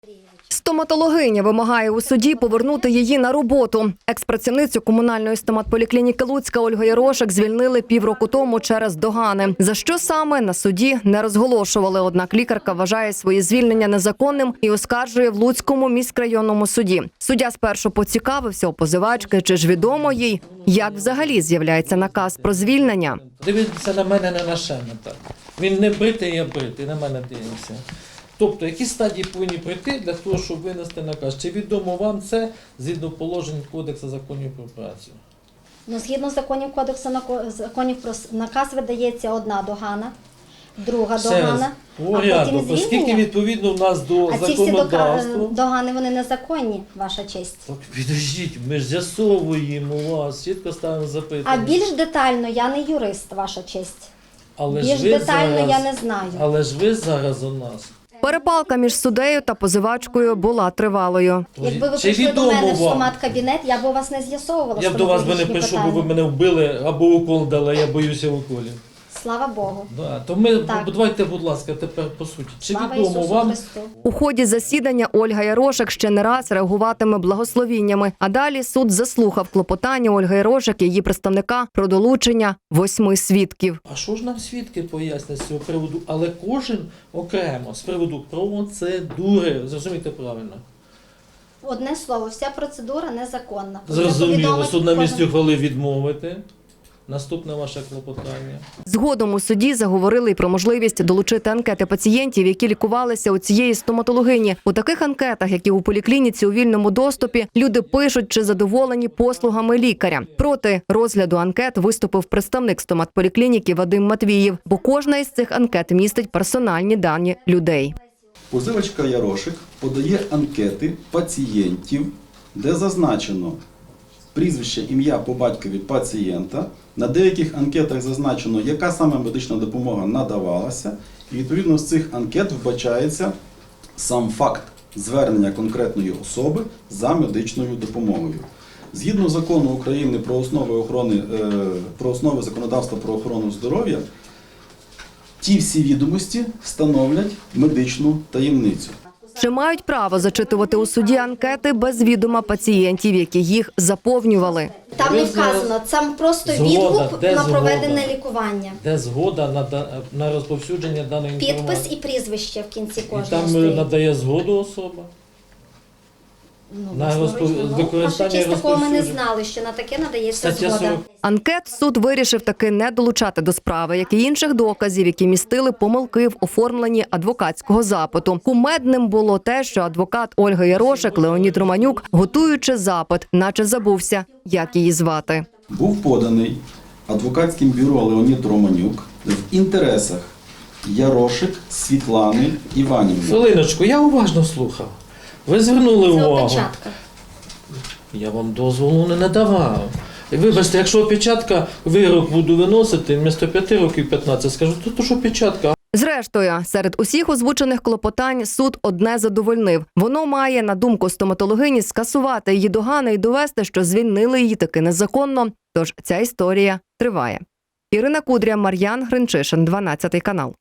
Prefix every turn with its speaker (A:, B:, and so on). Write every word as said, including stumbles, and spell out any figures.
A: Стоматологиня вимагає у суді повернути її на роботу. Експрацівницю комунальної стоматполіклініки Луцька Ольгу Ярошек звільнили півроку тому через догани. За що саме, на суді не розголошували. Однак лікарка вважає своє звільнення незаконним і оскаржує в Луцькому міськрайонному суді. Суддя спершу поцікавився у позивачки, чи ж відомо їй, як взагалі з'являється наказ про звільнення.
B: Дивіться на мене, не на шеме так. Він не бритий, я бритий, на мене дивиться. Тобто, які стадії повинні пройти для того, щоб винести наказ? Чи відомо вам це згідно положень Кодексу законів про працю?
C: Ну, згідно законів Кодексу нако- законів про с- наказ видається одна догана, друга догана, а
B: порядок,
C: потім
B: оскільки
C: звільнення.
B: відповідно в нас до
C: А ці всі дока-
B: законодавства.
C: догани, вони незаконні, ваша честь.
B: Так, підождіть, ми ж з'ясовуємо вас, чітко ставимо запитання.
C: А більш детально я не юрист, ваша честь.
B: Але
C: більш
B: ж ви
C: детально
B: зараз,
C: я не знаю.
B: Але ж ви зараз у нас.
A: Перепалка між суддею та позивачкою була тривалою.
C: Якби ви
B: Чи
C: прийшли до
B: відомо
C: мене в
B: вам?
C: стомат-кабінет, я б у вас не з'ясовувала
B: Я б до вас би не
C: стоматологічні
B: прийшов, бо ви
C: питання.
B: мене вбили або укол дали, я боюся уколів.
C: Слава Богу.
B: Да, то ми,
C: Так.
B: давайте, будь ласка, тепер по суті. Чи
C: Слава
B: відомо
C: Ісусу
B: вам,
C: Христу.
A: У ході засідання Ольга Ярошек ще не раз реагуватиме благословіннями. А далі суд заслухав клопотання Ольги Ярошек і її представника про долучення восьми свідків.
B: а що ж нам свідки пояснять з цього приводу, але кожен окремо з приводу процедури, зрозумійте правильно.
C: Одне слово, вся процедура незаконна.
B: Зрозуміло,
C: Повідомить
B: суд на
C: кожен-
B: місці ухвалив відмовити. Наступне ваше клопотання.
A: Згодом у суді заговорили й про можливість долучити анкети пацієнтів, які лікувалися у цієї стоматологині. У таких анкетах, які у поліклініці у вільному доступі, люди пишуть, чи задоволені послугами лікаря. Проти розгляду анкет виступив представник стоматполіклініки Вадим Матвіїв, бо кожна із цих анкет містить персональні дані людей.
D: Позивачка Ярошек подає анкети пацієнтів, де зазначено прізвище, ім'я по батькові пацієнта. На деяких анкетах зазначено, яка саме медична допомога надавалася. І відповідно з цих анкет вбачається сам факт звернення конкретної особи за медичною допомогою. Згідно закону України про основи охорони, е, про основи законодавства про охорону здоров'я, ті всі відомості становлять медичну таємницю.
A: Чи мають право зачитувати у суді анкети без відома пацієнтів, які їх заповнювали?
C: Там не
B: Ви зараз-
C: вказано, там просто
B: Згода,
C: відгук
B: де
C: на
B: згода?
C: проведене лікування.
B: Де згода на, да- на розповсюдження даної інформації?
C: Підпис і прізвище в кінці
B: І
C: кожного
B: там е,
C: стоїть.
B: надає згоду особа?
C: Ну,
B: на
C: власноруч,
B: розпов-
C: ну,
B: використання
C: ваша честь, такого ми не
B: розповсюдження.
C: знали, що на таке надається
B: Стаття
C: згода.
B: сорок.
A: Анкет суд вирішив таки не долучати до справи, як і інших доказів, які містили помилки в оформленні адвокатського запиту. Кумедним було те, що адвокат Ольги Ярошек Леонід Романюк, готуючи запит, наче забувся, як її звати.
D: Був поданий адвокатським бюро Леонід Романюк в інтересах Ярошек Світлани Іванівни.
B: Хвилиночку, я уважно слухав. Ви звернули
C: Це
B: увагу.
C: опечатка.
B: Я вам дозволу не надавав. І вибачте, якщо опечатка, вирок буду виносити, вмісто п'яти років п'ятнадцять, скажу, то, то що опечатка.
A: Зрештою, серед усіх озвучених клопотань суд одне задовольнив. Воно має, на думку стоматологині, скасувати її догани і довести, що звільнили її таки незаконно. Тож ця історія триває. Ірина Кудря, Мар'ян Гринчишин, дванадцятий канал.